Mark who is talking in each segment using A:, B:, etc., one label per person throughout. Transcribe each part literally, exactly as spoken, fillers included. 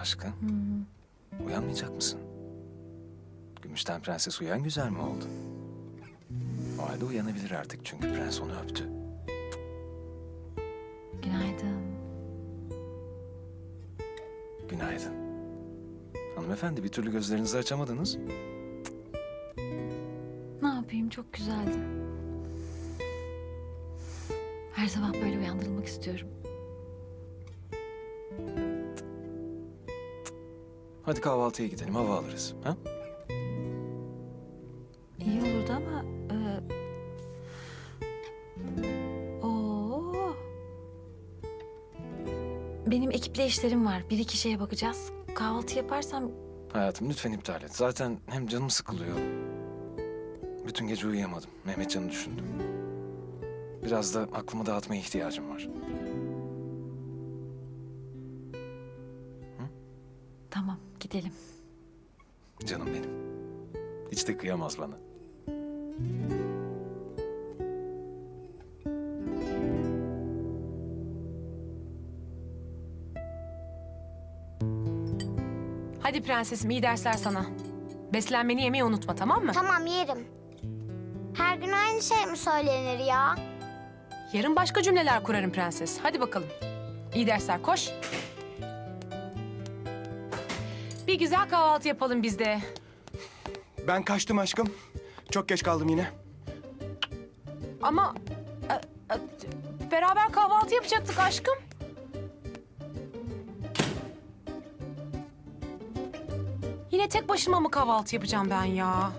A: Aşkım,
B: Hı.
A: uyanmayacak mısın? Gümüşten Prenses uyan güzel mi oldu? O halde uyanabilir artık çünkü prens onu öptü.
B: Günaydın.
A: Günaydın. Hanımefendi, bir türlü gözlerinizi açamadınız.
B: Ne yapayım, çok güzeldi. Her sabah böyle uyandırılmak istiyorum.
A: Hadi kahvaltıya gidelim, hava alırız. Ha?
B: İyi olurdu ama... E... Oo. Benim ekiple işlerim var. Bir iki şeye bakacağız. Kahvaltı yaparsam...
A: Hayatım lütfen iptal et. Zaten hem canım sıkılıyor. Bütün gece uyuyamadım. Mehmetcan'ı düşündüm. Biraz da aklımı dağıtmaya ihtiyacım var.
B: Tamam, gidelim.
A: Canım benim. Hiç de kıyamaz bana.
C: Hadi prensesim, iyi dersler sana. Beslenmeni yemeyi unutma, tamam mı?
D: Tamam yerim. Her gün aynı şey mi söylenir ya?
C: Yarın başka cümleler kurarım prenses. Hadi bakalım. İyi dersler, koş. Bir güzel kahvaltı yapalım biz de.
E: Ben kaçtım aşkım. Çok geç kaldım yine.
C: Ama e, e, beraber kahvaltı yapacaktık aşkım. Yine tek başıma mı kahvaltı yapacağım ben ya?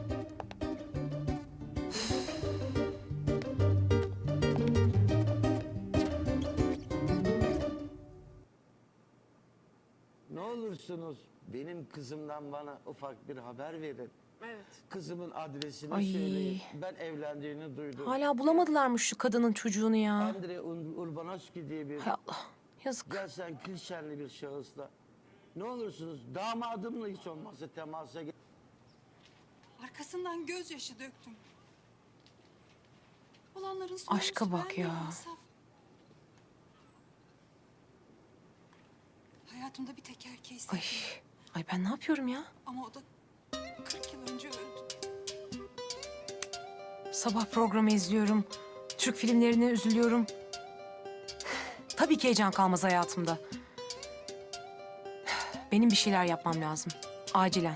F: Ne olursunuz benim kızımdan bana ufak bir haber verin.
C: Evet.
F: Kızımın adresini
C: Ay.
F: söyleyin. Ben evlendiğini duydum.
C: Hala bulamadılarmış şu kadının çocuğunu ya.
F: Andre Ur- Urbanoski diye bir
C: Hay Allah, yazık.
F: gerçekten klişenli bir şahısla. Ne olursunuz damadımla hiç olmazsa temasa ge-
G: Arkasından gözyaşı döktüm. Olanların sonucu
C: Aşka bak
G: bende
C: ya.
G: Asaf. Hayatımda bir tek erkeği sevdim.
C: Ay, ay ben ne yapıyorum ya?
G: Ama o da kırk yıl önce öldü.
C: Sabah programı izliyorum. Türk filmlerine üzülüyorum. Tabii ki heyecan kalmaz hayatımda. Benim bir şeyler yapmam lazım. Acilen.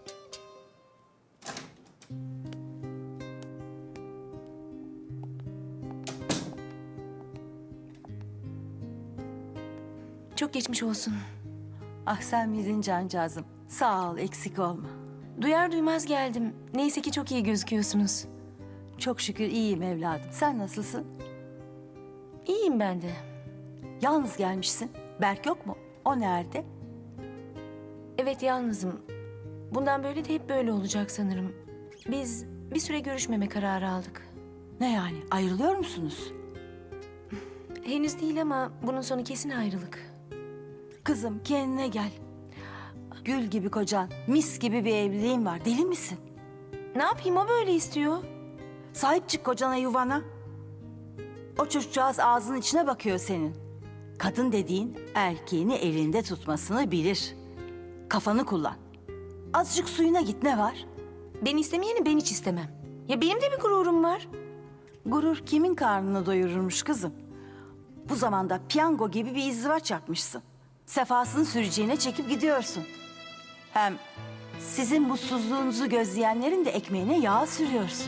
B: Çok geçmiş olsun.
H: Ah sen miydin cancağızım? Sağ ol, eksik olma.
B: Duyar duymaz geldim. Neyse ki çok iyi gözüküyorsunuz.
H: Çok şükür iyiyim evladım. Sen nasılsın?
B: İyiyim ben de.
H: Yalnız gelmişsin. Berk yok mu? O nerede?
B: Evet, yalnızım. Bundan böyle de hep böyle olacak sanırım. Biz bir süre görüşmeme kararı aldık.
H: Ne yani? Ayrılıyor musunuz?
B: Henüz değil ama bunun sonu kesin ayrılık.
H: Kızım kendine gel. Gül gibi kocan, mis gibi bir evliliğin var. Deli misin?
B: Ne yapayım, o böyle istiyor.
H: Sahip çık kocana, yuvana. O çocukcağız ağzının içine bakıyor senin. Kadın dediğin erkeğini elinde tutmasını bilir. Kafanı kullan. Azıcık suyuna git, ne var?
B: Ben istemeyeni ben hiç istemem. Ya benim de bir gururum var.
H: Gurur kimin karnını doyururmuş kızım? Bu zamanda piyango gibi bir izdivaç yapmışsın. Sefasını süreceğine çekip gidiyorsun. Hem sizin mutsuzluğunuzu gözleyenlerin de ekmeğine yağ sürüyorsun.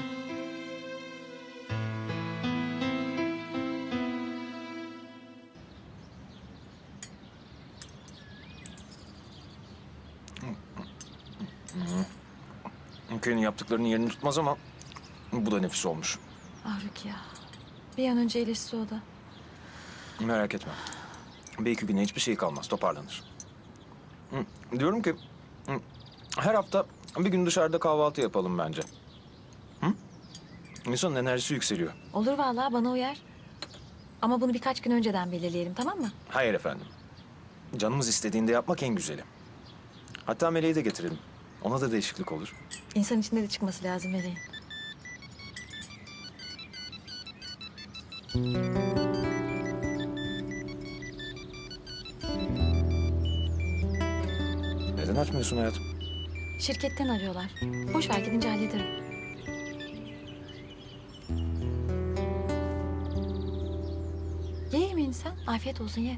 A: Ülkenin yaptıklarının yerini tutmaz ama bu da nefis olmuş.
B: Ah Rukiye. Bir an önce iyileşse o da.
A: Merak etme. Bir iki güne hiçbir şey kalmaz, toparlanır. Hı, diyorum ki hı, her hafta bir gün dışarıda kahvaltı yapalım bence. Hı? İnsanın enerjisi yükseliyor.
B: Olur vallahi, bana uyar. Ama bunu birkaç gün önceden belirleyelim, tamam mı?
A: Hayır efendim. Canımız istediğinde yapmak en güzeli. Hatta Meleği de getirelim. Ona da değişiklik olur.
B: İnsan içinde de çıkması lazım Meleğin.
A: Neden açmıyorsun hayatım?
I: Şirketten arıyorlar. Boş ver gidince hallederim. Ye yemeğini sen. Afiyet olsun ye.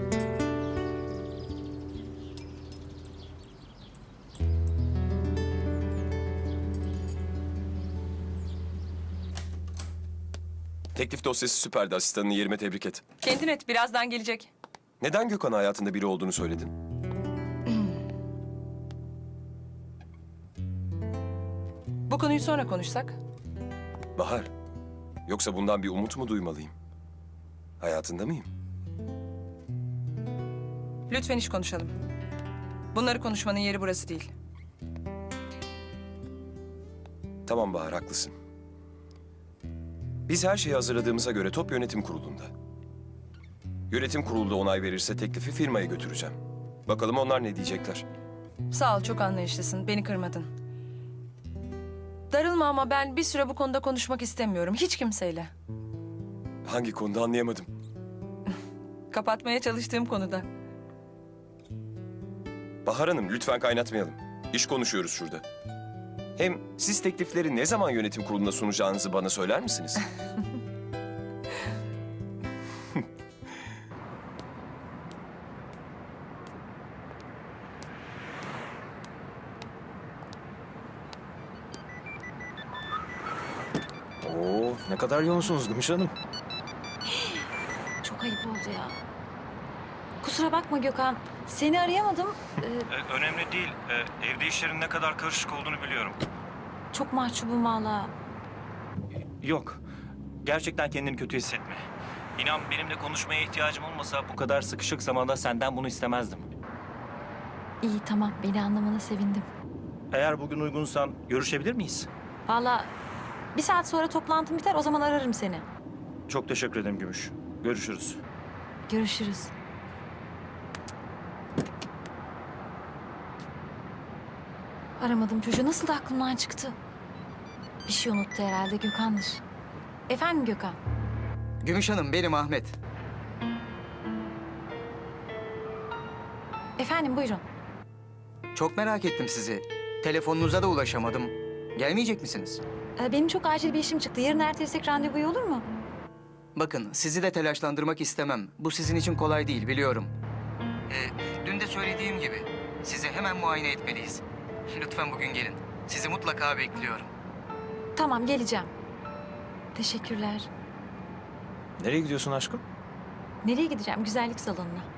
J: Teklif dosyası süperdi. Asistanını yerime tebrik et.
C: Kendin et, birazdan gelecek.
J: Neden Gökhan hayatında biri olduğunu söyledin?
C: Bu konuyu sonra konuşsak.
J: Bahar, yoksa bundan bir umut mu duymalıyım? Hayatında mıyım?
C: Lütfen iş konuşalım. Bunları konuşmanın yeri burası değil.
J: Tamam Bahar, haklısın. Biz her şeyi hazırladığımıza göre top yönetim kurulunda. Yönetim kurulu da onay verirse teklifi firmaya götüreceğim. Bakalım onlar ne diyecekler.
C: Sağ ol, çok anlayışlısın. Beni kırmadın. Darılma ama ben bir süre bu konuda konuşmak istemiyorum. Hiç kimseyle.
J: Hangi konuda anlayamadım.
C: Kapatmaya çalıştığım konuda.
J: Bahar Hanım, lütfen kaynatmayalım. İş konuşuyoruz şurada. Hem siz teklifleri ne zaman yönetim kuruluna sunacağınızı bana söyler misiniz?
A: Oo, ne kadar yoğunsunuz Gümüş Hanım.
I: Çok ayıp oldu ya. Kusura bakma Gökhan. Seni arayamadım. Ee,
K: önemli değil. Ee, evde işlerin ne kadar karışık olduğunu biliyorum.
I: çok mahcubum valla.
K: Yok. Gerçekten kendini kötü hissetme. İnan benimle konuşmaya ihtiyacım olmasa bu kadar sıkışık zamanda senden bunu istemezdim.
I: İyi tamam beni anlamana sevindim.
K: Eğer bugün uygunsan görüşebilir miyiz?
I: Valla bir saat sonra toplantım biter o zaman ararım seni.
K: Çok teşekkür ederim Gümüş. Görüşürüz.
I: Görüşürüz. Aramadım çocuğu. Nasıl da aklımdan çıktı? Bir şey unuttu herhalde Gökhan'dır. Efendim Gökhan?
L: Gümüş Hanım, benim Ahmet.
I: Efendim buyurun.
L: Çok merak ettim sizi. Telefonunuza da ulaşamadım. Gelmeyecek misiniz?
I: Ee, benim çok acil bir işim çıktı. Yarın ertelesek randevuyu olur mu?
L: Bakın, sizi de telaşlandırmak istemem. Bu sizin için kolay değil, biliyorum. Ee, dün de söylediğim gibi, sizi hemen muayene etmeliyiz. Lütfen bugün gelin. Sizi mutlaka bekliyorum.
I: Tamam geleceğim. Teşekkürler.
A: Nereye gidiyorsun aşkım?
I: Nereye gideceğim? Güzellik salonuna.